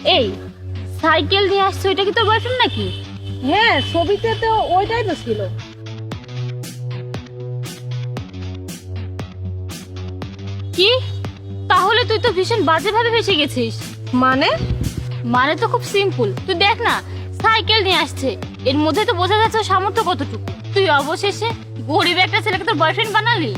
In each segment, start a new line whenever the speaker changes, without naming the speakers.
এই সাইকেল নিয়ে আসছে, ওইটা কি তোর বয়ফ্রেন্ড নাকি?
হ্যাঁ, ছবিতে তো ওইটাই তো ছিল।
কি? তাহলে তুই তো ভীষণ বাজেভাবে ফেসে গেছিস।
মানে?
মানে তো খুব সিম্পল, তুই দেখ না, সাইকেল নিয়ে আসছে, এর মধ্যে তো বোঝা যাচ্ছে ওর সামর্থ্য কতটুকু। তুই অবশেষে গরিব একটা ছেলেকে তোর বয়ফ্রেন্ড বানালি।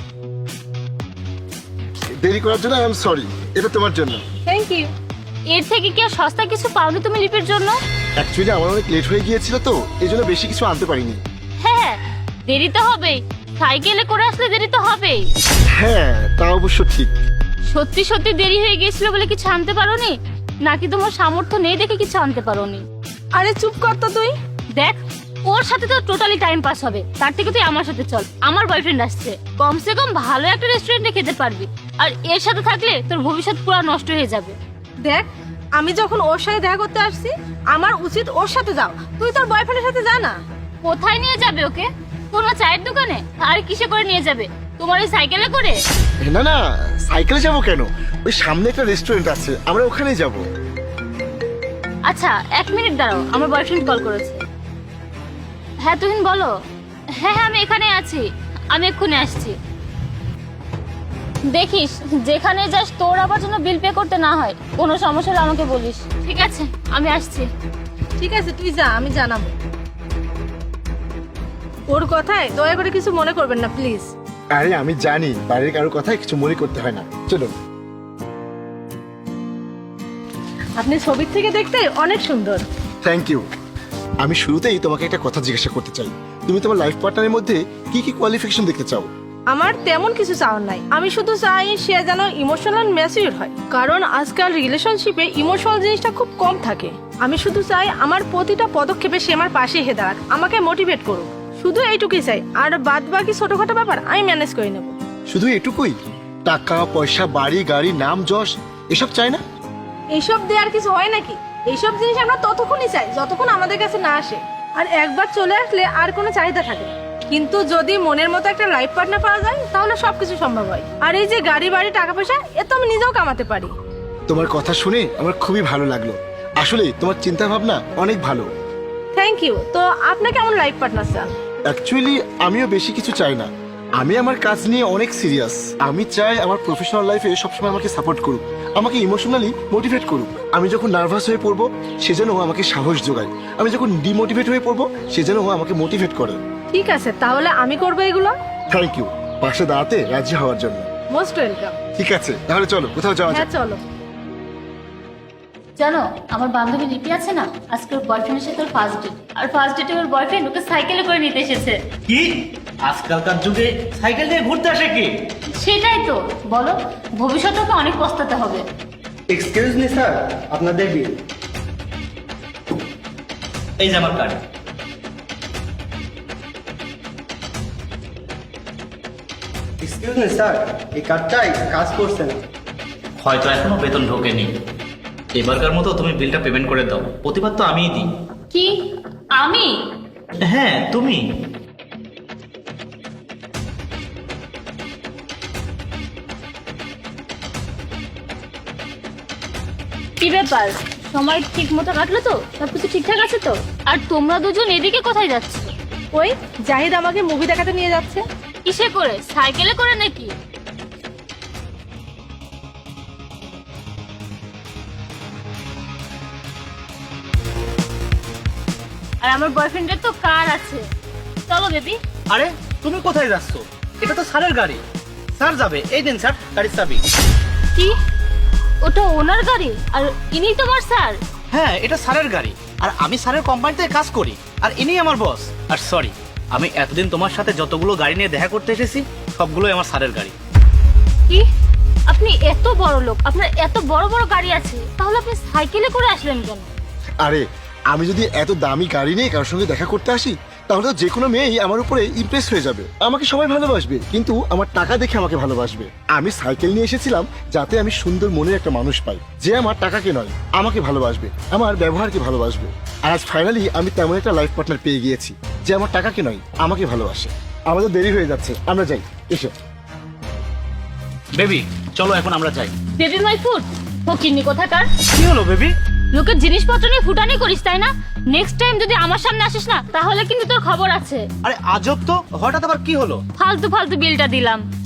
দেরি করার জন্য আই এম সরি, এটা তোমার জন্য।
Thank you.
এর থেকে কি আর সস্তা কিছু পাওনি তুমি লিপের জন্য?
অ্যাকচুয়ালি আমার অনেক লেট হয়ে গিয়েছিল তো, এই জন্য বেশি কিছু আনতে পারিনি।
হ্যাঁ, দেরি তো হবেই, সাইকেলে করে আসলে দেরি তো হবেই।
হ্যাঁ, তা অবশ্য ঠিক।
সত্যি সত্যি দেরি হয়ে গেছিল বলে কিছু আনতে পারোনি, নাকি তোমার সামর্থ্য নেই দেখে কিছু আনতে পারোনি?
আরে চুপ কর তো তুই।
দেখ, ওর সাথে তো টোটালি টাইম পাস হবে, তার থেকে তুই আমার সাথে চল, আমার বয়ফ্রেন্ড আসছে, কমসে কম ভালো একটা রেস্টুরেন্টে খেতে পারবি। আর এর সাথে থাকলে তোর ভবিষ্যৎ পুরো নষ্ট হয়ে যাবে।
দেখ, আমি যখন ওর সাথে দেখা করতে আসছি, আমার উচিত ওর সাথে যাও, তুই তোর বয়ফ্রেন্ডের সাথে যা না।
কোথায় নিয়ে যাবে ওকে? কোনো চায়ের দোকানে? আর কিসে করে নিয়ে যাবে? তোমার এই সাইকেলে করে?
না না, সাইকেলে যাবো কেন? ওই সামনে একটা রেস্টুরেন্ট আছে, আমরা ওখানেই যাব।
আচ্ছা, 1 মিনিট দাঁড়াও, আমার বয়ফ্রেন্ড কল করেছে। হ্যাঁ তুহিন বলো। হ্যাঁ হ্যাঁ, আমি এখানে আছি, আমি এক্ষুনি আসছি। দেখিস যেখানে যাস তোর আবার যেন বিল পে করতে না হয়, কোনো সমস্যা হলে আমাকে বলিস। ঠিক আছে, আমি আসছি।
ঠিক আছে, তুই যা, আমি জানাবো। ওর কথায় দয়া করে কিছু মনে করবেন না প্লিজ।
আরে আমি জানি বাড়ির কারোর কথায় কিছু মনে করতে হয় না, চলো।
আপনি ছবির থেকে দেখতে অনেক সুন্দর।
Thank you. আমি শুরুতেই তোমাকে একটা কথা জিজ্ঞাসা করতে চাই, তুমি তোমার লাইফ পার্টনারের মধ্যে কি কি কোয়ালিফিকেশন দেখতে চাও?
আমার তেমন কিছু চাওয়ার নাই, আমি শুধু চাই সে যেন ইমোশনাল ম্যাচিউর হয়, কারণ আজকাল রিলেশনশিপে ইমোশনাল জিনিসটা খুব কম থাকে। আমি শুধু চাই আমার প্রতিটা পদক্ষেপে সে আমার পাশে এসে দাঁড়াক, আমাকে মোটিভেট করুক, শুধু এইটুকুই চাই। আর বাদ বাকি ছোটখাটো ব্যাপার আমি ম্যানেজ করে নেব।
শুধু এটুকুই? টাকা পয়সা, বাড়ি গাড়ি, নাম যশ এসব চাই না?
এইসব দেওয়ার কিছু হয় নাকি? এইসব জিনিস আমরা ততক্ষণই চাই যতক্ষণ আমাদের কাছে না আসে, আর একবার চলে আসলে আর কোনো চাহিদা থাকে না। কিন্তু যদি মনের মতো একটা লাইফ পার্টনার পাওয়া যায় তাহলে সবকিছু সম্ভব হয়। আর এই যে গাড়ি বাড়ি টাকা পয়সা, এ তো আমি নিজেও কামাতে পারি।
তোমার কথা শুনে আমার খুবই ভালো লাগলো, আসলে তোমার চিন্তা ভাবনা অনেক ভালো।
Thank you. তো আপনি কেমন লাইফ পার্টনার চান?
অ্যাকচুয়ালি আমিও বেশি কিছু চাই না, আমি আমার কাজ নিয়ে অনেক সিরিয়াস। আমি চাই আমার প্রফেশনাল লাইফে সবসময় আমাকে সাপোর্ট করুক, আমাকে ইমোশনালি মোটিভেট করুক। আমি যখন নার্ভাস হয়ে পড়বো সে যেন আমাকে সাহস যোগায়, আমি যখন ডিমোটিভেট হয়ে পড়বো সে যেন আমাকে মোটিভেট করে।
ঠিক আছে, তাহলে আমি করবো এগুলো।
থ্যাংক ইউ পাশে দাঁড়াতে রাজি হওয়ার জন্য।
Most welcome.
ঠিক আছে, তাহলে চলো কোথাও যাওয়া
হ্যাঁ
যাক।
চলো।
জানো, আমার বান্ধবী লিপি আছে না, আজকে ওর বয়ফ্রেন্ডের সাথে ওর ফার্স্ট ডেট, আর ফার্স্ট ডেটে ওর বয়ফ্রেন্ড ওকে সাইকেলে করে নিতে এসেছে।
কি আজকালকার যুগে সাইকেল নিয়ে ঘুরতে আসে কে?
সেটাই তো, বলো, ভবিষ্যতে ওকে অনেক পস্তাতে হবে।
এক্সকিউজ মি স্যার, আপনাদের বিল।
এই যে আমার কার্ড।
এক্সকিউজ মি স্যার, এই কার্ডটাই কাজ করছে না।
হয়তো এখনো বেতন ঢোকেনি, এবারকার মতো তুমি বিলটা পেমেন্ট করে দাও, প্রতিবার তো আমিই দিই।
কি? আমি?
হ্যাঁ তুমি।
কি ব্যাপার, সময় ঠিক মতো কাটলো তো? সবকিছু ঠিকঠাক আছে তো? আর তোমরা দুজন এদিকে কোথায় যাচ্ছ?
ওই জাহিদ আমাকে মুভি দেখাতে নিয়ে যাচ্ছে।
কিসে করে? সাইকেলে করে নাকি? আর আমার বয়ফ্রেন্ডের তো কার আছে, চলো বেবি।
আরে তুমি কোথায় যাচ্ছ? এটা তো স্যারের গাড়ি, স্যার যাবে। এই দিন স্যার গাড়ির চাবি।
কি? ওটা ওনার গাড়ি আর ইনি তোমার স্যার?
হ্যাঁ, এটা স্যারের গাড়ি, আর আমি স্যারের কোম্পানিতে কাজ করি, আর ইনি আমার বস। আর সরি, আমি এতদিন তোমার সাথে যতগুলো গাড়ি নিয়ে দেখা করতে এসেছি সবগুলোই আমার স্যারের গাড়ি।
কি? আপনি এত বড় লোক, আপনার এত বড় বড় গাড়ি আছে, তাহলে আপনি সাইকেলে করে আসলেন কেন?
আরে আমি যদি এত দামি গাড়ি নিয়ে কারোর সঙ্গে দেখা করতে আসি তাহলে তো যে কোনো মেয়েই আমার উপরে ইমপ্রেস হয়ে যাবে, আমাকে সবাই ভালোবাসবে, কিন্তু আমার টাকা দেখে আমাকে ভালোবাসবে। আমি সাইকেল নিয়ে এসেছিলাম যাতে আমি সুন্দর মনের একটা মানুষ পাই, যে আমার টাকাকে নয় আমাকে ভালোবাসবে, আমার ব্যবহারকে ভালোবাসবে। আর আজ ফাইনালি আমি তেমন একটা লাইফ পার্টনার পেয়ে গিয়েছি যে আমার টাকাকে নয় আমাকে ভালোবাসে। আমাদের দেরি হয়ে যাচ্ছে, আমরা যাই, এসো।
বেবি চলো এখন আমরা যাই।
বেবি মাই ফুড, ফকিন্নি কোথাকার।
কি হলো বেবি?
লোকের জিনিসপত্র নিয়ে ফুটানি করিস তাই না? নেক্সট টাইম যদি আমার সামনে আসিস না তাহলে কিন্তু তোর খবর আছে।
আরে আজব তো, হঠাৎ আবার কি হলো?
ফালতু ফালতু বিলটা দিলাম।